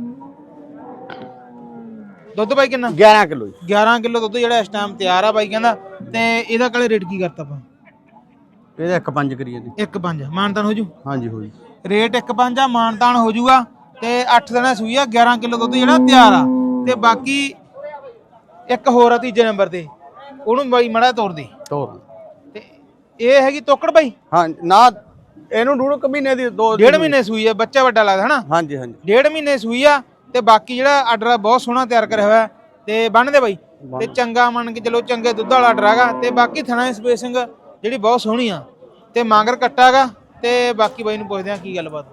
[SPEAKER 1] ਦੁੱਧ ਬਾਈ ਕਿੰਨਾ?
[SPEAKER 2] ਗਿਆਰਾਂ ਕਿਲੋ ਜੀ।
[SPEAKER 1] ਗਿਆਰਾਂ ਕਿਲੋ ਦੁੱਧ ਜਿਹੜਾ ਇਸ ਟਾਈਮ ਤਿਆਰ ਆ ਬਾਈ ਕਹਿੰਦਾ। ਤੇ ਇਹਦਾ ਕਾਲੇ ਰੇਟ ਕੀ ਕਰਤਾ ਆਪਾਂ?
[SPEAKER 2] ਇਹਦਾ ਇੱਕ ਪੰਜ ਕਰੀਏ ਜੀ।
[SPEAKER 1] ਇੱਕ ਪੰਜ ਮਾਨਤਾਨ ਹੋ ਜੂ?
[SPEAKER 2] ਹਾਂਜੀ ਹੋ ਜੀ।
[SPEAKER 1] ਰੇਟ ਇੱਕ ਪੰਜ ਆ, ਮਾਨਤਾਨ ਹੋ ਜੂਗਾ। ਤੇ ਅੱਠ ਦਿਨਾਂ ਸੂਈ ਆ, ਗਿਆਰਾਂ ਕਿਲੋ ਦੁੱਧ ਜਿਹੜਾ ਤਿਆਰ ਆ। ਤੇ ਬਾਕੀ ਇੱਕ ਹੋਰ ਆ ਤੀਜੇ ਨੰਬਰ ਤੇ, ਉਹਨੂੰ ਬਾਈ ਮੜਾ ਤੋੜ ਦੇ।
[SPEAKER 2] ਤੋਰ
[SPEAKER 1] ਤੇ ਇਹ ਹੈਗੀ ਤੋਕੜ ਬਾਈ?
[SPEAKER 2] ਹਾਂ ਨਾ, ਇਹਨੂੰ ਡੂਢ ਕੁ ਮਹੀਨੇ ਦੀ ਦੋ
[SPEAKER 1] ਡੇਢ ਮਹੀਨੇ ਸੂਈ ਆ। ਬੱਚਾ ਵੱਡਾ ਲੱਗਦਾ ਹਨਾ?
[SPEAKER 2] ਹਾਂਜੀ ਹਾਂਜੀ।
[SPEAKER 1] ਡੇਢ ਮਹੀਨੇ ਸੂਈ ਆ। ਤੇ ਬਾਕੀ ਜਿਹੜਾ ਆਰਡਰ ਬਹੁਤ ਸੋਹਣਾ ਤਿਆਰ ਕਰਿਆ ਹੋਇਆ ਤੇ ਬੰਨਦੇ ਬਾਈ। ਤੇ ਚੰਗਾ ਮੰਨ ਕੇ ਚਲੋ, ਚੰਗੇ ਦੁੱਧ ਵਾਲਾ ਆਰਡਰ ਹੈਗਾ। ਤੇ ਬਾਕੀ ਥਣਾ ਦੀ ਸਪੇਸਿੰਗ ਜਿਹੜੀ ਬਹੁਤ ਸੋਹਣੀ ਆ। ਤੇ ਮਾਂਗਰ ਕੱਟਾਗਾ। ਤੇ ਬਾਕੀ ਬਾਈ ਨੂੰ ਪੁੱਛਦੇ ਆ ਕੀ ਗੱਲਬਾਤ।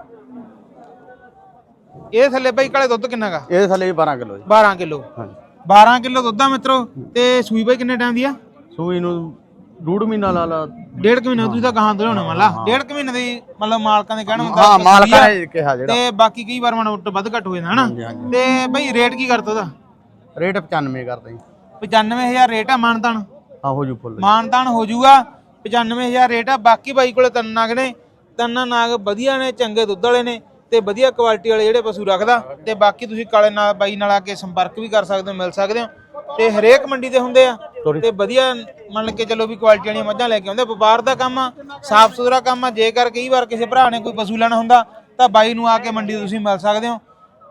[SPEAKER 1] ਇਹ ਥੱਲੇ ਬਾਈ ਕਾਲੇ ਦੁੱਧ ਕਿੰਨਾ ਗਾ?
[SPEAKER 2] ਇਹਦੇ ਥੱਲੇ ਬਾਰਾਂ ਕਿਲੋ ਜੀ।
[SPEAKER 1] ਬਾਰਾਂ ਕਿਲੋ?
[SPEAKER 2] ਹਾਂਜੀ।
[SPEAKER 1] ਬਾਰਾਂ ਕਿਲੋ ਦੁੱਧ ਆ ਮਿੱਤਰੋ। ਤੇ ਸੂਈ ਬਾਈ ਕਿੰਨੇ ਟਾਈਮ ਦੀ ਆ?
[SPEAKER 2] ਸੂਈ ਨੂੰ ਡੂਢ ਮਹੀਨਾ ਲਾ ਲਾ।
[SPEAKER 1] ਡੇਢ ਕੁ ਮਹੀਨਾ ਤੁਸੀਂ ਤਾਂ ਗਾਹਾਂ ਤੋਂ ਮੰਨ ਲਾ। ਡੇਢ ਕੁ ਮਹੀਨੇ ਦੀ ਮਤਲਬ ਮਾਲਕਾਂ ਦੇ ਕਹਿਣ ਹੁੰਦਾ।
[SPEAKER 2] ਹਾਂ ਮਾਲਕਾਂ ਨੇ ਕਿਹਾ ਜਿਹੜਾ।
[SPEAKER 1] ਤੇ ਬਾਕੀ ਕਈ ਵਾਰ ਮਨ ਵੱਧ ਘੱਟ ਹੋ ਜਾਂਦਾ ਹਨਾ। ਤੇ ਬਾਈ ਰੇਟ ਕੀ ਕਰਤਾ ਉਹਦਾ?
[SPEAKER 2] ਰੇਟ ਪਚਾਨਵੇਂ ਕਰਦਾ ਜੀ।
[SPEAKER 1] ਪਚਾਨਵੇਂ ਹਜ਼ਾਰ ਰੇਟ ਆ। ਮਾਨਤਾਨ?
[SPEAKER 2] ਹਾਂ ਹੋ ਜੂ ਫੁੱਲ।
[SPEAKER 1] ਮਾਨਤਾਨ ਹੋ ਜੂਗਾ। ਪਚਾਨਵੇਂ ਹਜ਼ਾਰ ਰੇਟ ਆ। ਬਾਕੀ ਬਾਈ ਕੋਲੇ ਤਿੰਨ ਨਾਗ ਨੇ, ਤਿੰਨ ਨਾਗ ਵਧੀਆ ਨੇ, ਚੰਗੇ ਦੁੱਧ ਵਾਲੇ ਨੇ ਤੇ ਵਧੀਆ ਕੁਆਲਿਟੀ ਵਾਲੇ ਜਿਹੜੇ ਪਸ਼ੂ ਰੱਖਦਾ। ਤੇ ਬਾਕੀ ਤੁਸੀਂ ਕਾਲੇ ਨਾਲ ਬਾਈ ਨਾਲ ਆ ਕੇ ਸੰਪਰਕ ਵੀ ਕਰ ਸਕਦੇ ਹੋ, ਮਿਲ ਸਕਦੇ ਹੋ। ਤੇ ਹਰੇਕ ਮੰਡੀ ਤੇ ਹੁੰਦੇ ਆ। ਤੇ ਵਧੀਆ ਮੰਨ ਕੇ ਚਲੋ ਵੀ ਕੁਆਲਿਟੀ ਵਾਲੀਆਂ ਮੱਝਾਂ ਲੈ ਕੇ ਆਉਂਦੇ। ਵਪਾਰ ਦਾ ਕੰਮ ਆ, ਸਾਫ ਸੁਥਰਾ ਕੰਮ ਆ। ਜੇਕਰ ਕਈ ਵਾਰ ਕਿਸੇ ਭਰਾ ਨੇ ਕੋਈ ਪਸ਼ੂ ਲੈਣਾ ਹੁੰਦਾ ਤਾਂ ਬਾਈ ਨੂੰ ਆ ਕੇ ਮੰਡੀ ਤੇ ਤੁਸੀਂ ਮਿਲ ਸਕਦੇ ਹੋ।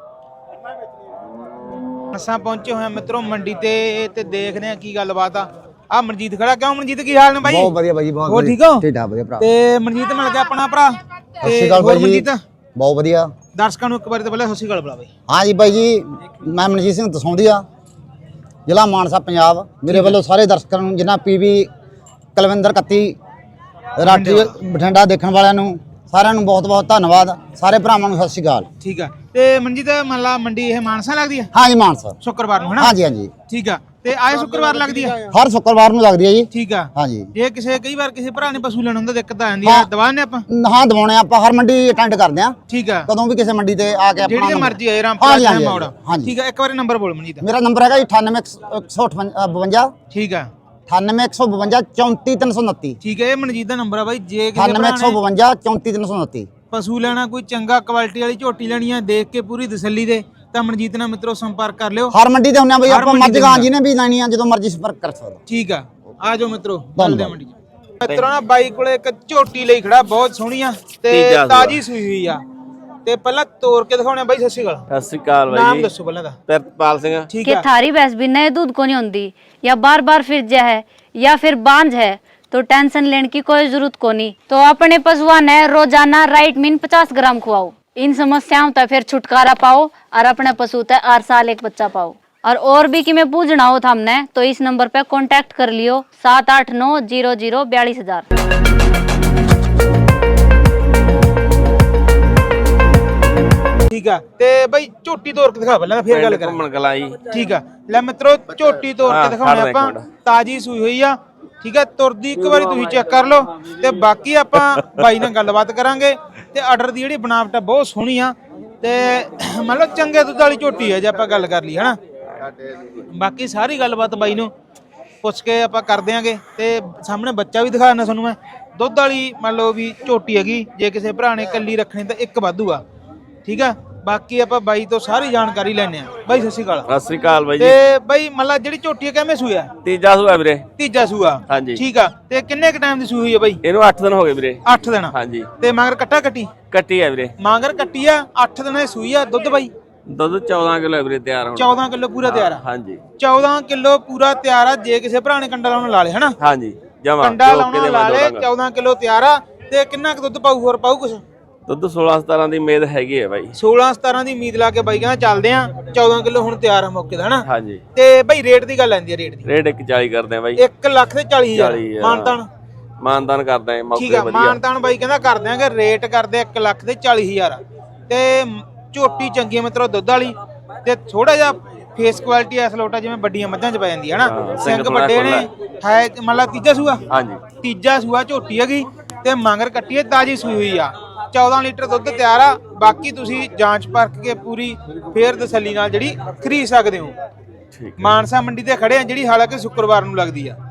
[SPEAKER 1] ਅਸਾਂ ਪਹੁੰਚੇ ਹੋਏ ਆ ਮਿੱਤਰੋ ਮੰਡੀ ਤੇ, ਤੇ ਦੇਖਦੇ ਆ ਕੀ ਗੱਲਬਾਤ ਆ। ਆ ਮਨਜੀਤ ਖੜਾ। ਕਿਉਂ ਮਨਜੀਤ, ਕੀ ਹਾਲ ਨੇ ਬਾਈ?
[SPEAKER 6] ਬਹੁਤ ਵਧੀਆ ਬਾਈ, ਬਹੁਤ
[SPEAKER 1] ਹੋਰ
[SPEAKER 6] ਵਧੀਆ।
[SPEAKER 1] ਠੀਕ ਹੋ?
[SPEAKER 6] ਠੀਕ ਠਾਕ ਵਧੀਆ ਭਰਾ।
[SPEAKER 1] ਤੇ ਮਨਜੀਤ ਮਿਲ ਗਿਆ ਆਪਣਾ ਭਰਾ।
[SPEAKER 6] ਸਤਿ ਸ਼੍ਰੀ ਅਕਾਲ ਬਾਈ ਜੀ।
[SPEAKER 1] ਮਨਜੀਤ
[SPEAKER 6] ਬਹੁਤ ਵਧੀਆ।
[SPEAKER 1] ਦਰਸ਼ਕਾਂ ਨੂੰ ਇੱਕ ਵਾਰੀ ਤਾਂ ਪਹਿਲਾਂ ਸਤਿ ਸ਼੍ਰੀ ਅਕਾਲ ਬੁਲਾ ਬਾਈ।
[SPEAKER 6] ਹਾਂ ਜੀ ਬਾਈ ਜੀ, ਮੈਂ ਮਨਜੀਤ ਸਿੰਘ ਦਸੌਂਦੀਆ, ਜ਼ਿਲ੍ਹਾ ਮਾਨਸਾ, ਪੰਜਾਬ। ਮੇਰੇ ਵੱਲੋਂ ਸਾਰੇ ਦਰਸ਼ਕਾਂ ਨੂੰ, ਜਿਨ੍ਹਾਂ ਪੀਵੀ ਕੁਲਵਿੰਦਰ ਇਕੱਤੀ ਰਾਠੀ ਬਠਿੰਡਾ ਦੇਖਣ ਵਾਲਿਆਂ ਨੂੰ ਸਾਰਿਆਂ ਨੂੰ ਬਹੁਤ ਬਹੁਤ ਧੰਨਵਾਦ। ਸਾਰੇ ਭਰਾਵਾਂ ਨੂੰ ਸਤਿ ਸ਼੍ਰੀ ਅਕਾਲ।
[SPEAKER 1] ਠੀਕ ਆ। ਤੇ ਮਨਜੀਤ ਮੰਨ ਲਾ ਮੰਡੀ ਇਹ ਮਾਨਸਾ ਲੱਗਦੀ ਆ?
[SPEAKER 6] ਹਾਂ ਜੀ ਮਾਨਸਾ,
[SPEAKER 1] ਸ਼ੁੱਕਰਵਾਰ ਨੂੰ ਹਨਾ?
[SPEAKER 6] ਹਾਂ ਜੀ ਹਾਂ ਜੀ।
[SPEAKER 1] ਠੀਕ ਆ। ਤੇ ਆਏ ਸ਼ੁੱਕਰਵਾਰ ਲੱਗਦੀ ਆ?
[SPEAKER 6] ਹਰ ਸ਼ੁੱਕਰਵਾਰ ਨੂੰ ਲੱਗਦੀ ਹੈ ਜੀ।
[SPEAKER 1] ਠੀਕ ਆ।
[SPEAKER 6] ਹਾਂ ਜੀ।
[SPEAKER 1] ਜੇ ਕਿਸੇ ਕਈ ਵਾਰ ਕਿਸੇ ਭਰਾ ਨੇ ਪਸ਼ੂ ਲੈਣਾ ਹੁੰਦਾ ਦਿੱਕਤ ਆ ਜਾਂਦੀ ਆ, ਦਵਾਨੇ ਆਪਾਂ?
[SPEAKER 6] ਹਾਂ ਦਵਾਉਣੇ ਆਪਾਂ, ਹਰ ਮੰਡੀ ਅਟੈਂਡ ਕਰਦੇ ਆ।
[SPEAKER 1] ਠੀਕ ਆ।
[SPEAKER 6] ਕਦੋਂ ਵੀ ਕਿਸੇ ਮੰਡੀ ਤੇ ਆ ਕੇ ਆਪਣਾ
[SPEAKER 1] ਜਿਹੜੀ ਮਰਜ਼ੀ ਆਏ ਰਾਮਪੁਰ ਮੌੜਾ। ਠੀਕ ਆ। ਇੱਕ ਵਾਰੀ ਨੰਬਰ ਬੋਲ ਮਨਜੀਤ।
[SPEAKER 6] ਮੇਰਾ ਨੰਬਰ ਹੈਗਾ ਜੀ ਅਠਾਨਵੇਂ ਇੱਕ ਸੌ ਬਵੰਜਾ।
[SPEAKER 1] ਠੀਕ ਆ।
[SPEAKER 6] ਅਠਾਨਵੇਂ ਇੱਕ ਸੌ ਬਵੰਜਾ ਚੌਂਤੀ ਤਿੰਨ ਸੌ ਉਨੱਤੀ।
[SPEAKER 1] ਠੀਕ ਹੈ, ਇਹ ਮਨਜੀਤ ਦਾ ਨੰਬਰ ਆ ਬਾਈ। ਜੇ ਕਿਸੇ
[SPEAKER 6] ਅਠਾਨਵੇਂ ਇੱਕ ਸੌ ਬਵੰਜਾ ਚੌਂਤੀ ਤਿੰਨ ਸੌ ਉਨੱਤੀ
[SPEAKER 1] ਪਸ਼ੂ ਲੈਣਾ, ਕੋਈ ਚੰਗਾ ਕੁਆਲਿਟੀ ਵਾਲੀ ਝੋਟੀ ਲੈਣੀ ਆ, ਦੇਖ ਕੇ ਪੂਰੀ ਤਸੱਲੀ ਦੇ, ਤਾਂ ਮਨਜੀਤ ਨਾਲ ਮਿੱਤਰੋ ਸੰਪਰਕ ਕਰ ਲਿਓ।
[SPEAKER 6] ਹਰ ਮੰਡੀ ਤੇ ਹੁੰਨੇ ਆ ਬਈ,
[SPEAKER 1] ਹਰ
[SPEAKER 6] ਆਪਾਂ
[SPEAKER 1] ਮੰਡੀ
[SPEAKER 6] ਮਰਜ਼ੀ ਗਾਂ ਜੀ ਨੇ ਵੀ ਲੈਣੀ ਆ, ਜਦੋਂ ਮਰਜ਼ੀ ਸੰਪਰਕ ਕਰ ਸਕਦਾ।
[SPEAKER 1] ਠੀਕ ਆ। ਆ ਜਾਓ ਮਿੱਤਰੋ, ਚੱਲਦੇ ਆ ਮੰਡੀ ਚ। ਮਿੱਤਰੋ ਨਾ ਬਾਈ ਕੋਲੇ ਇੱਕ ਝੋਟੀ ਲਈ ਖੜਾ, ਬਹੁਤ ਸੋਹਣੀ ਆ ਤੇ ਤਾਜੀ ਸੂਈ ਹੋਈ ਆ। ਤੇ ਪਹਿਲਾਂ ਤੋੜ ਕੇ ਦਿਖਾਉਣੇ ਬਾਈ। ਸਤਿ ਸ਼੍ਰੀ ਅਕਾਲ।
[SPEAKER 7] ਸਤਿ ਸ਼੍ਰੀ ਅਕਾਲ ਬਾਈ
[SPEAKER 1] ਨਾਮ
[SPEAKER 7] ਜੀ।
[SPEAKER 1] ਦੱਸੋ ਪਹਿਲਾਂ ਦਾ।
[SPEAKER 7] ਪ੍ਰਿਤਪਾਲ ਸਿੰਘ।
[SPEAKER 1] ਠੀਕ
[SPEAKER 8] कि
[SPEAKER 1] ਆ।
[SPEAKER 8] थारी भैंस भी नए दूध को नहीं होती या बार बार फिर जा है या फिर बांझ है तो टेंशन लेने की कोई जरूरत को नहीं। तो अपने पशुआ ने रोजाना राइट मीन पचास ग्राम खुआओ। इन समस्याओं तक फिर छुटकारा पाओ और अपने पशु तक हर साल एक बच्चा पाओ। और और भी कि मैं पूछना हो था हमने तो इस नंबर पे कांटेक्ट कर लियो सात आठ नौ जीरो जीरो बयालीस हजार।
[SPEAKER 1] ਠੀਕ ਆ। ਤੇ ਬਾਈ ਝੋਟੀ ਤੋੜ ਕੇ ਦਿਖਾ ਪਹਿਲਾਂ, ਫੇਰ ਗੱਲ ਕਰਾਂਗੇ।
[SPEAKER 7] ਘੁੰਮਣ ਗਲਾਈ।
[SPEAKER 1] ਠੀਕ ਆ। ਲੈ ਮਿੱਤਰੋ ਝੋਟੀ ਤੋੜ ਕੇ ਦਿਖਾਉਣੇ ਆਪਾਂ। ਤਾਜੀ ਸੂਈ ਹੋਈ ਆ। ਠੀਕ ਆ। ਤੁਰਦੀ ਇੱਕ ਵਾਰੀ ਤੁਸੀਂ ਚੈੱਕ ਕਰ ਲਓ। ਤੇ ਬਾਕੀ ਆਪਾਂ ਬਾਈ ਨਾਲ ਗੱਲਬਾਤ ਕਰਾਂਗੇ। ਤੇ ਆਰਡਰ ਦੀ ਜਿਹੜੀ ਬਣਾਵਟ ਆ ਬਹੁਤ ਸੋਹਣੀ ਆ। ਤੇ ਮੰਨ ਲਓ ਚੰਗੇ ਦੁੱਧ ਵਾਲੀ ਝੋਟੀ ਆ ਜੇ ਆਪਾਂ ਗੱਲ ਕਰ ਲਈ ਹਨਾ। ਬਾਕੀ ਸਾਰੀ ਗੱਲਬਾਤ ਬਾਈ ਨੂੰ ਪੁੱਛ ਕੇ ਆਪਾਂ ਕਰ ਦਿਆਂਗੇ। ਤੇ ਸਾਹਮਣੇ ਬੱਚਾ ਵੀ ਦਿਖਾ ਦਿੰਦਾ ਤੁਹਾਨੂੰ ਮੈਂ। ਦੁੱਧ ਵਾਲੀ ਮੰਨ ਲਓ ਵੀ ਝੋਟੀ ਹੈਗੀ। ਜੇ ਕਿਸੇ ਭਰਾ ਨੇ ਇਕੱਲੀ ਰੱਖਣੀ ਤਾਂ ਇੱਕ ਵਾਧੂ ਆ। ਠੀਕ ਆ। ਬਾਕੀ ਆਪਾਂ ਬਾਈ ਤੋਂ ਸਾਰੀ ਜਾਣਕਾਰੀ ਲੈਣੇ ਆ। ਬਾਈ ਸਤਿ ਸ਼੍ਰੀ ਅਕਾਲ।
[SPEAKER 7] ਸਤਿ ਸ਼੍ਰੀ ਅਕਾਲ ਬਾਈ ਜੀ।
[SPEAKER 1] ਤੇ ਬਾਈ ਮਤਲਬ ਜਿਹੜੀ ਝੋਟੀ ਹੈ ਕਿਵੇਂ ਸੂਆ?
[SPEAKER 7] ਤੀਜਾ ਸੂਆ ਵੀਰੇ।
[SPEAKER 1] ਤੀਜਾ ਸੂਆ।
[SPEAKER 7] ਹਾਂਜੀ।
[SPEAKER 1] ਠੀਕ ਆ। ਤੇ ਕਿੰਨੇ ਕ ਟਾਈਮ ਦੀ ਸੂਈ ਹੋਈ ਹੈ ਬਾਈ?
[SPEAKER 7] ਇਹਨੂੰ ਅੱਠ ਦਿਨ ਹੋ ਗਏ ਵੀਰੇ।
[SPEAKER 1] ਅੱਠ ਦਿਨ।
[SPEAKER 7] ਹਾਂਜੀ।
[SPEAKER 1] ਤੇ ਮਗਰ ਕੱਟਾ ਕੱਟੀ?
[SPEAKER 7] ਕੱਟੀ ਆ ਵੀਰੇ।
[SPEAKER 1] ਮਗਰ ਕੱਟੀ ਆ। ਅੱਠ ਦਿਨਾਂ ਦੀ ਸੂਈ ਆ। ਦੁੱਧ ਬਾਈ
[SPEAKER 7] ਦੁੱਧ ਚੌਦਾਂ ਕਿਲੋ ਵੀਰੇ ਤਿਆਰ ਹੁਣ।
[SPEAKER 1] ਚੌਦਾਂ ਕਿਲੋ ਪੂਰਾ ਤਿਆਰ ਆ?
[SPEAKER 7] ਹਾਂਜੀ।
[SPEAKER 1] ਚੌਦਾਂ ਕਿਲੋ ਪੂਰਾ ਤਿਆਰ ਆ। ਜੇ ਕਿਸੇ ਭਰਾ ਨੇ ਕੰਡਾ ਲਾਉਣ ਲਾ ਲੇ ਹਨਾ?
[SPEAKER 7] ਹਾਂਜੀ ਜਮਾ
[SPEAKER 1] ਕੰਡਾ ਲਾਉਣ ਲਾ ਲੇ। ਚੌਦਾਂ ਕਿਲੋ ਤਿਆਰ ਆ। ਤੇ ਕਿੰਨਾ ਕ ਦੁੱਧ ਪਾਊ? ਹੋਰ ਪਾਊ ਕੁਛ?
[SPEAKER 7] ਦੁੱਧ ਸੋਲਾਂ ਸਤਾਰਾਂ ਦੀ ਉਮੀਦ ਹੈਗੀ ਹੈ ਬਾਈ।
[SPEAKER 1] ਸੋਲਾਂ ਸਤਾਰਾਂ ਦੀ ਉਮੀਦ ਲਾ ਕੇ ਬਾਈ ਕਹਿੰਦਾ ਚੱਲਦੇ ਆ। ਚੌਦਾਂ ਕਿਲੋ ਹੁਣ ਤਿਆਰ ਆ ਮੌਕੇ ਦਾ ਹਨਾ?
[SPEAKER 7] ਹਾਂਜੀ।
[SPEAKER 1] ਤੇ ਬਾਈ ਰੇਟ ਦੀ ਗੱਲ ਆਂਦੀ ਆ। ਰੇਟ ਦੀ
[SPEAKER 7] ਰੇਟ ਇੱਕ ਚਾਲੀ ਕਰਦੇ ਆ ਬਾਈ।
[SPEAKER 1] ਇੱਕ ਲੱਖ ਤੇ ਚਾਲੀ ਹਜ਼ਾਰ ਮਾਨਤਾਨ?
[SPEAKER 7] ਮਾਨਤਾਨ ਕਰਦੇ ਆ ਮੌਕੇ
[SPEAKER 1] ਠੀਕ ਆ।
[SPEAKER 7] ਵਧੀਆ।
[SPEAKER 1] ਮਾਨਤਾਨ ਬਾਈ ਕਹਿੰਦਾ ਕਰ ਦਿਆਂਗੇ। ਰੇਟ ਕਰਦੇ ਇੱਕ ਲੱਖ ਤੇ ਚਾਲੀ ਹਜ਼ਾਰ। ਤੇ ਝੋਟੀ ਚੰਗੀ ਹੈ ਮਿੱਤਰੋ ਦੁੱਧ ਵਾਲੀ ਤੇ ਥੋੜਾ ਜਿਹਾ ਫੇਸ ਕੁਆਲਿਟੀ ਐਸ ਲੋਟਾ ਜਿਵੇਂ ਵੱਡੀਆਂ ਮੱਝਾਂ 'ਚ ਪੈ ਜਾਂਦੀ ਹੈ ਨਾ
[SPEAKER 7] ਹਾਂ, ਸਿੰਘ
[SPEAKER 1] ਸਿੰਘ
[SPEAKER 7] ਥੋੜ੍ਹਾ
[SPEAKER 1] ਵੱਡੇ ਨੇ ਹੈ ਮੰਨ ਲਾ ਤੀਜਾ ਸੂਆ
[SPEAKER 7] ਹਾਂਜੀ
[SPEAKER 1] ਤੀਜਾ ਸੂਆ ਝੋਟੀ ਹੈਗੀ ਤੇ ਮਗਰ ਕੱਟੀ ਹੈ ਤਾਜੀ ਸੂਈ ਹੋਈ ਆ ਚੌਦਾਂ ਲੀਟਰ ਦੁੱਧ ਤਿਆਰ ਆ ਬਾਕੀ ਤੁਸੀਂ ਜਾਂਚ ਪਰਖ ਕੇ ਪੂਰੀ ਫੇਰ ਤਸੱਲੀ ਨਾਲ ਜਿਹੜੀ ਖਰੀਦ ਸਕਦੇ ਹੋ
[SPEAKER 7] ਠੀਕ
[SPEAKER 1] ਮਾਨਸਾ ਮੰਡੀ ਤੇ ਖੜੇ ਆ ਜਿਹੜੀ ਹਾਲਾਂਕਿ ਸ਼ੁੱਕਰਵਾਰ ਨੂੰ ਲੱਗਦੀ ਆ